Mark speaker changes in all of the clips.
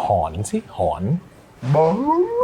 Speaker 1: อนสิหอน
Speaker 2: บ้า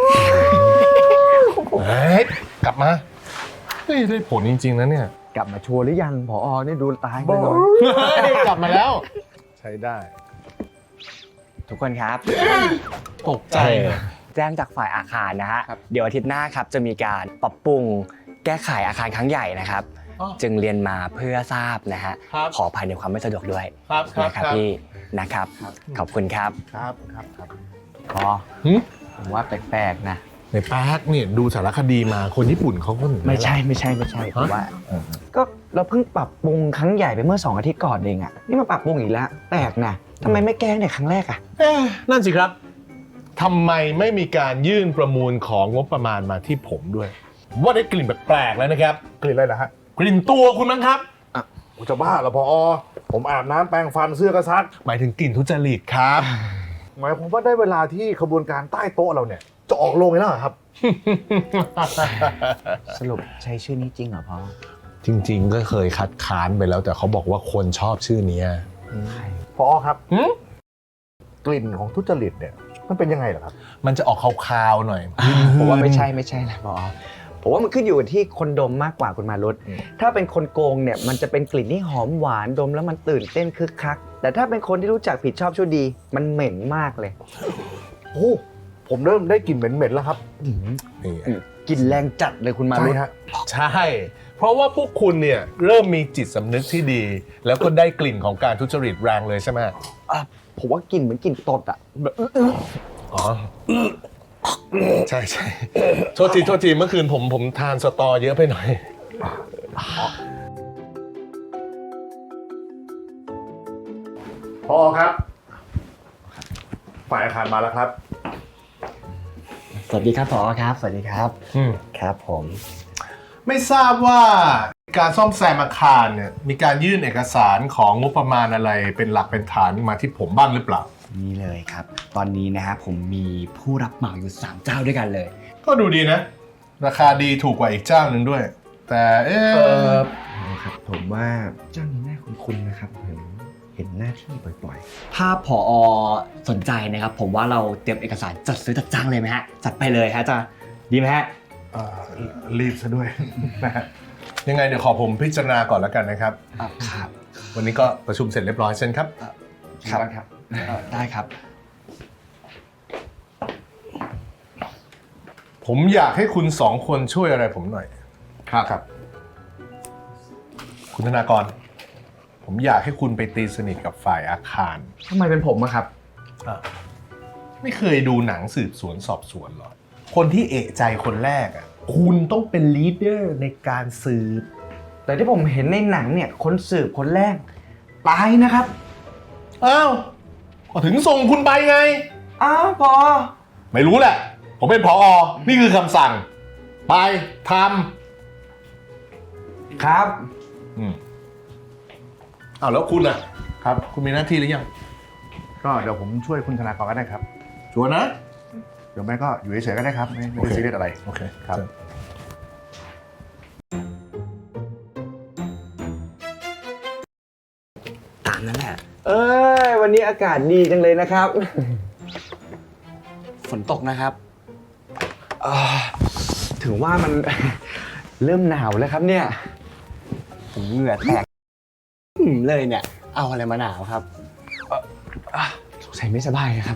Speaker 1: เฮ้ยกลับมาเฮ้ยได้ผลจริงๆนะเนี่ย
Speaker 3: กลับมาชัวร์หรือยังผอนี่ดูตายไป
Speaker 2: บ้า
Speaker 3: เลย
Speaker 1: เฮ้ยกลับมาแล้ว ใช้ได้
Speaker 3: ทุกคนครับ
Speaker 1: ตกใจ
Speaker 3: แจ้งจากฝ่ายอาคารนะฮะเดี๋ยวอาทิตย์หน้าครับจะมีการปรับปรุงแก้ไขอาคารครั้งใหญ่นะครับ
Speaker 1: อ๋อ
Speaker 3: จึงเรียนมาเพื่อทราบนะฮะ
Speaker 1: ครับ
Speaker 3: ขออภัยในความไม่สะดวกด้วย
Speaker 1: ครับครับ
Speaker 3: นะครับ
Speaker 1: ครับ
Speaker 3: พี่นะครับขอบคุณครับ
Speaker 2: ครับครับ
Speaker 3: พอผมว่าแปลกๆนะ
Speaker 1: ในแป๊กเนี่ยดูสารคดีมาคนญี่ปุ่นเขาก็
Speaker 3: ไม่ใช่ผมว่าก็เราเพิ่งปรับปรุงครั้งใหญ่ไปเมื่อ2 อาทิตย์ก่อนเองอ่ะนี่มาปรับปรุงอีกแล้วแปลกนะทำไมไม่แก้ในครั้งแรกอ่ะ
Speaker 1: นั่นสิครับทำไมไม่มีการยื่นประมูลของงบประมาณมาที่ผมด้วย ว่าได้กลิ่นแปลกๆแล้วนะครับ
Speaker 2: กลิ่นอะไรนะฮะ
Speaker 1: กลิ่นตัวคุณมั้งครับ
Speaker 2: ผมจะบ้าเหรอพอผมอาบน้ำแปรงฟันเสื้อก็ซัก
Speaker 1: หมายถึงกลิ่นทุจริตครับ
Speaker 2: หมายผมว่าได้เวลาที่ขบวนการใต้โต๊ะเราเนี่ยจะออกโรงแล้วเหรอครับ
Speaker 3: สรุปใช้ชื่อนี้จริงเหรอพ่อ
Speaker 1: จริงๆก็เคยคัดค้านไปแล้วแต่เขาบอกว่าคนชอบชื่อนี้
Speaker 2: พอครับกลิ่นของทุจริตเนี่ยมันเป็นยังไงเหรอครับ
Speaker 1: มันจะออกคาวๆหน่อย
Speaker 3: ผมว่าไม่ใช่นะพ่อผมว่ามันขึ้นอยู่ที่คนดมมากกว่าคุณมารุตถ้าเป็นคนโกงเนี่ยมันจะเป็นกลิ่นที่หอมหวานดมแล้วมันตื่นเต้นคึกคักแต่ถ้าเป็นคนที่รู้จักผิดชอบชั่วดีมันเหม็นมากเลย
Speaker 2: โอ้ผมเริ่มได้กลิ่นเหม็นๆแล้วครับ
Speaker 1: นี่
Speaker 3: กลิ่นแรงจัดเลยคุณมารุต
Speaker 2: ใช่ฮะ
Speaker 1: ใช่ เพราะว่าพวกคุณเนี่ยเริ่มมีจิตสำนึกที่ดี แล้วก็ได้กลิ่นของการทุจริตแรงเลยใช่ไหม
Speaker 3: ผมว่ากลิ่นเหมือนกลิ่นตดอ่ะแบบ
Speaker 1: อ๋อใช่ใช่โทษทีเมื่อคืนผมทานสตอเยอะไปหน่อย
Speaker 2: พอครับฝ่ายอาคารมาแล้วครับ
Speaker 3: สวัสดีครับผอครับสวัสดีครับ
Speaker 1: อืม
Speaker 3: ครับผม
Speaker 1: ไม่ทราบว่าการซ่อมแซมอาคารเนี่ยมีการยื่นเอกสารของงบประมาณอะไรเป็นหลักเป็นฐานมาที่ผมบ้างหรือเปล่า
Speaker 3: นี่เลยครับ ตอนนี้นะฮะผมมีผู้รับเหมาอยู่3 เจ้าด้วยกันเลย
Speaker 1: ก็ดูดีนะ ราคาดีถูกกว่าอีกเจ้าหนึ่งด้วย แต่
Speaker 3: ครับผมว่าเจ้านี้น่าคุ้นๆนะครับเห็นหน้าที่บ่อยๆ ถ้าผอสนใจนะครับ ผมว่าเราเตรียมเอกสารจัดซื้อจัดจ้างเลยไหมฮะจัดไปเลยฮะจะดีไหมฮะ
Speaker 2: รีบซะด้วย นะฮะ
Speaker 1: ยังไงเดี๋ยวขอผมพิจารณาก่อนแล้วกันนะครับ
Speaker 3: ครับ
Speaker 1: วันนี้ก็ประชุมเสร็จเรียบร้อยเช่นครับ
Speaker 3: ครับได้ครับ
Speaker 1: ผมอยากให้คุณ2 คนช่วยอะไรผมหน่อย
Speaker 2: ครับ
Speaker 1: คุณธนากร ผมอยากให้คุณไปตีสนิทกับฝ่ายอาคาร
Speaker 3: ทำไมเป็นผมอะครับ
Speaker 1: ไม่เคยดูหนังสืบสวนสอบสวนหรอ คนที่เอะใจคนแรกอ่ะคุณต้องเป็นลีดเดอร์ในการสืบ
Speaker 3: แต่ที่ผมเห็นในหนังเนี่ยคนสืบคนแรกตายนะครับ
Speaker 1: อ้าวก็ถึงส่งคุณไปไง
Speaker 3: อ้าวพอ
Speaker 1: ไม่รู้แหละ ผมเป็นผอ นี่คือคำสั่ง ไปท
Speaker 3: ครับ
Speaker 1: ำอ้าวแล้วคุณอ่ะ
Speaker 2: ครับ
Speaker 1: คุณมีหน้าที่หรือยัง
Speaker 2: ก็เดี๋ยวผมช่วยคุณธนากรก็ได้ครับ
Speaker 1: ชัวร์นะ
Speaker 2: เดี๋ยวแม่ก็อยู่เฉยๆก็ได้ครับ ไม่ได้ซีเรียสอะไร
Speaker 1: โอเค
Speaker 2: ครับ
Speaker 3: ตามนั้นแหละ วันนี้อากาศดีจังเลยนะครับ ฝนตกนะครับถึงว่ามัน เริ่มหนาวแล้วครับเนี่ยผมเหงื่อแตกเลยเนี่ย เอาอะไรมาหนาวครับสงสัยไม่สบายนะครับ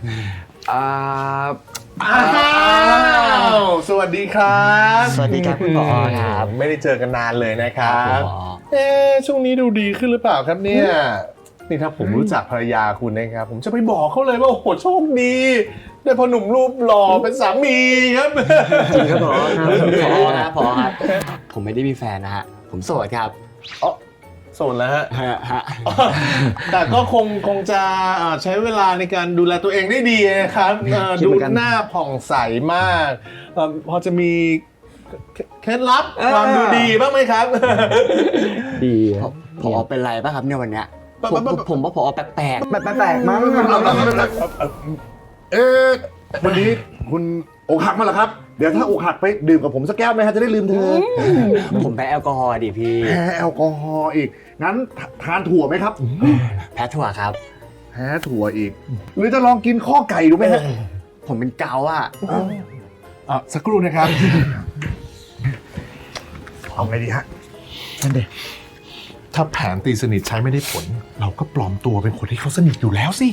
Speaker 1: อ้าวสวัสดีครับ
Speaker 3: สวัสดีครับคุณผอครับ
Speaker 1: ไม่ได้เจอกันนานเลยนะครับ
Speaker 3: คุณผอ
Speaker 1: ช่วงนี้ดูดีขึ้นหรือเปล่าครับเนี่ย นี่ถ้าผมรู้จักภรรยาคุณนะครับ ผมจะไปบอกเขาเลยว่าโอ้โหโชคดี ได้พ่อหนุ่มรูปหล่อเป็นสามีครับ
Speaker 3: จริงครับผอครับผอครับผมไม่ได้มีแฟนนะฮะผมโสดครับ
Speaker 1: อ๋อโสดแล้วฮะ
Speaker 3: ฮะ
Speaker 1: แต่ก็คงจะใช้เวลาในการดูแลตัวเองได้ดีนะครับ
Speaker 3: คิด
Speaker 1: ดู
Speaker 3: เหมือนกัน
Speaker 1: หน้าผ่องใสมากพอจะมีเคล็ดลับ
Speaker 3: เออ
Speaker 1: ความดูดีบ้างไหมครับ
Speaker 3: ดีผอเป็นไรป่ะครับเนี่ยวันเนี้ยผมว่าผอแปลกแปลกมั้ง
Speaker 2: วันนี้คุณอกหักมาเหรอครับ เดี๋ยวถ้าอกหักไปดื่มกับผมสักแก้วไหมฮะจะได้ลืมเธอ
Speaker 3: ผมแพ้แอลกอฮอล์ดิพี่
Speaker 2: แพ้แอลกอฮอล์อีก งั้นทานถั่วไหมครับ
Speaker 3: แพ้ถั่วครับ
Speaker 2: แพ้พ้ถั่วอีก หรือจะลองกินข้อไก่ดูไหมฮะ
Speaker 3: ผมเป็นเกาอะ
Speaker 1: สักครู่นะครับ
Speaker 2: เอาไงดีฮะ
Speaker 3: นั่นเด็
Speaker 1: ถ้าแผนตีสนิทใช้ไม่ได้ผล เราก็ปลอมตัวเป็นคนที่เขาสนิทอยู่แล้วสิ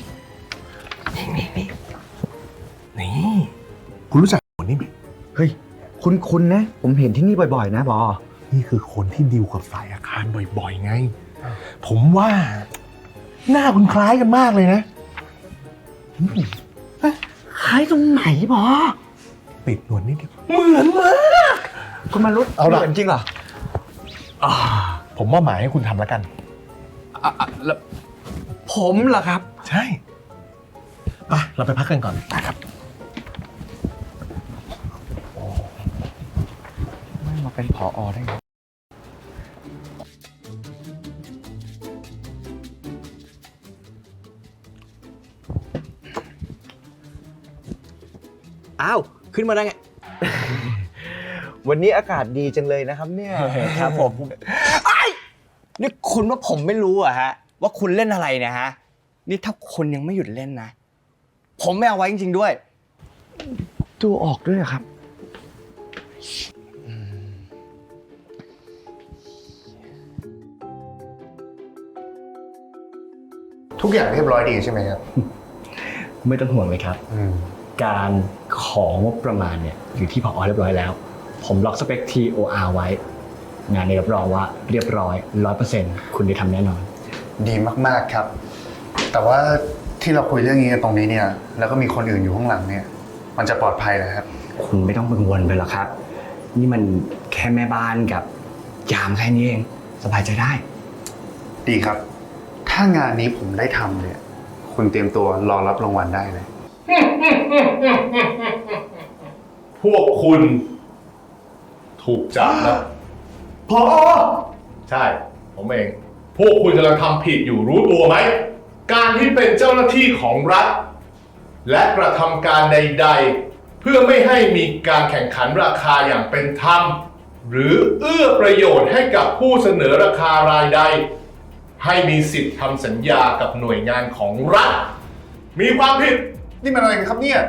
Speaker 1: นี่ คุณรู้จักคนนี้ไหม
Speaker 3: เฮ้ยคุณนะ ผมเห็นที่นี่บ่อยๆนะบอ
Speaker 1: นี่คือคนที่ดีลกับฝ่ายอาคารบ่อยๆไง ผมว่า หน้าคุณคล้ายกันมากเลยนะ
Speaker 3: คล้ายตรงไหนบอ
Speaker 1: ปิดหนวดนิดเดียวเหมือนมาก
Speaker 3: คุณมารุด
Speaker 1: เอาล่ะ
Speaker 3: จริงเหรอ
Speaker 1: ผมว่าหมายให้คุณทำแล้วกัน
Speaker 3: แล้วผมเหรอครับ
Speaker 1: ใช่ไปเราไปพักกันก่อนนะครับ
Speaker 3: ไม่มาเป็นผอได้ไงอ้าว ขึ้นมาได้ไง
Speaker 4: วันนี้อากาศดีจังเลยนะครับเนี่ย
Speaker 3: ครับผมไอ้นี่คุณว่าผมไม่รู้อะฮะ ว่าคุณเล่นอะไรเนี่ยฮะ นี่ถ้าคุณยังไม่หยุดเล่นนะ ผมไม่เอาไว้จริงๆด้วย
Speaker 4: ดูออกด้วยเหรอครับ
Speaker 1: ทุกอย่างเรียบร้อยดีใช่ไหมครับ
Speaker 3: ไม่ต้องห่วงเลยครับ การของงบประมาณเนี่ยอยู่ที่ผอเรียบร้อยแล้ว ผมล็อกสเปค TOR ไว้ งานนี้รับรองว่าเรียบร้อย 100% คุณได้ทำแน่นอน
Speaker 5: ดีมากๆครับ แต่ว่าที่เราคุยเรื่องนี้กันตรงนี้เนี่ย แล้วก็มีคนอื่นอยู่ข้างหลังเนี่ย มันจะปลอดภัยเหรอครับ
Speaker 3: คุณไม่ต้องกังวลไปหรอกครับ นี่มันแค่แม่บ้านกับยามแค่นี้เอง สบายใจได้
Speaker 5: ดีครับ ถ้างานนี้ผมได้ทำเนี่ย คุณเตรียมตัวรอรับรางวัลได้เลย
Speaker 1: พวกคุณ ถูกจับแล้ว
Speaker 2: พอ
Speaker 1: ใช่ ผมเอง พวกคุณกำลังทำผิดอยู่รู้ตัวไหม การที่เป็นเจ้าหน้าที่ของรัฐ และกระทำการใดๆ เพื่อไม่ให้มีการแข่งขันราคาอย่างเป็นธรรม หรือเอื้อประโยชน์ให้กับผู้เสนอราคารายใด ให้มีสิทธิ์ทำสัญญากับหน่วยงานของรัฐ มีความผิด
Speaker 2: นี่มันอะไรกันครับเนี่ย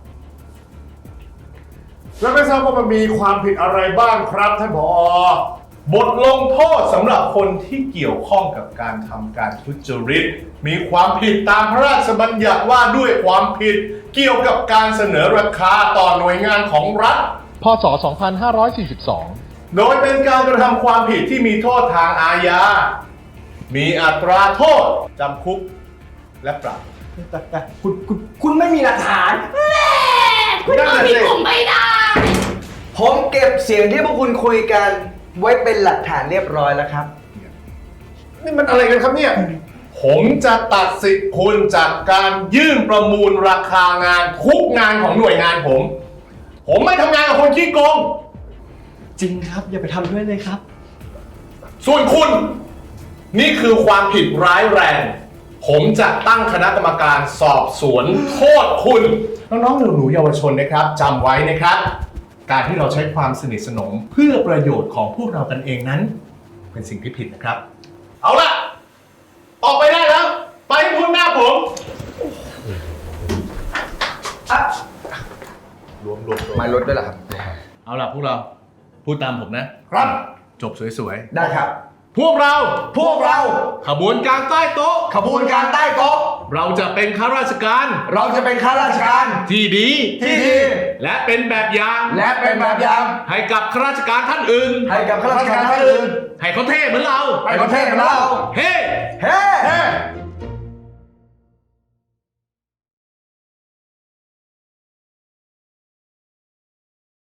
Speaker 2: แล้วไม่ทราบว่ามันมีความผิดอะไรบ้างครับท่านผอ
Speaker 1: บทลงโทษสำหรับคนที่เกี่ยวข้องกับการทำการทุจริต มีความผิดตามพระราชบัญญัติว่าด้วยความผิดเกี่ยวกับการเสนอราคาต่อหน่วยงานของรัฐ
Speaker 6: พศ 2542
Speaker 1: โดยเป็นการกระทำความผิดที่มีโทษทางอาญา มีอัตราโทษจำคุกและปรับ
Speaker 3: แต่คุณไม่มีหลักฐาน
Speaker 2: คุณเอาผิดผมไม่ได้
Speaker 4: ผมเก็บเสียงที่พวกคุณคุยกันไว้เป็นหลักฐานเรียบร้อยแล้วครับ
Speaker 2: นี่มันอะไรกันครับเนี่ย
Speaker 1: ผมจะตัดสิทธิ์คุณจากการยื่นประมูลราคางานทุกงานของหน่วยงานผม ผมไม่ทำงานกับคนขี้โกง
Speaker 3: จริงครับ อย่าไปทำด้วยเลยครับ
Speaker 1: ส่วนคุณ นี่คือความผิดร้ายแรง ผมจะตั้งคณะกรรมการสอบสวนโทษคุณ น้องๆหนูๆเยาวชนนะครับจำไว้นะครับ การที่เราใช้ความสนิทสนมเพื่อประโยชน์ของพวกเรากันเองนั้น เป็นสิ่งที่ผิดนะครับ เอาล่ะ ออกไปได้แล้ว ไปให้พ้นหน้าผมรวม
Speaker 4: มาลดด้วยเหรอครับ
Speaker 1: เอาล่ะพวกเราพูดตามผมนะครับ จบสวย
Speaker 4: ได้ครับ
Speaker 1: ๆพวกเรา
Speaker 4: พวกเรา
Speaker 1: ขบวนการใต้โต๊ะ
Speaker 4: ขบวนการใต้โต๊ะ
Speaker 1: เราจะเป็นข้าราชการ
Speaker 4: เราจะเป็นข้าราชการ
Speaker 1: ที่ดี
Speaker 4: ที่ดี
Speaker 1: และเป็นแบบอย่าง
Speaker 4: และเป็นแบบอย่าง
Speaker 1: ให้กับข้าราชการท่านอื่น
Speaker 4: ให้กับข้าราชการท่านอื่น
Speaker 1: ให้เขาเท่เหมือนเรา
Speaker 4: ให้ประเทศของเรา
Speaker 1: เฮ้
Speaker 4: เฮ้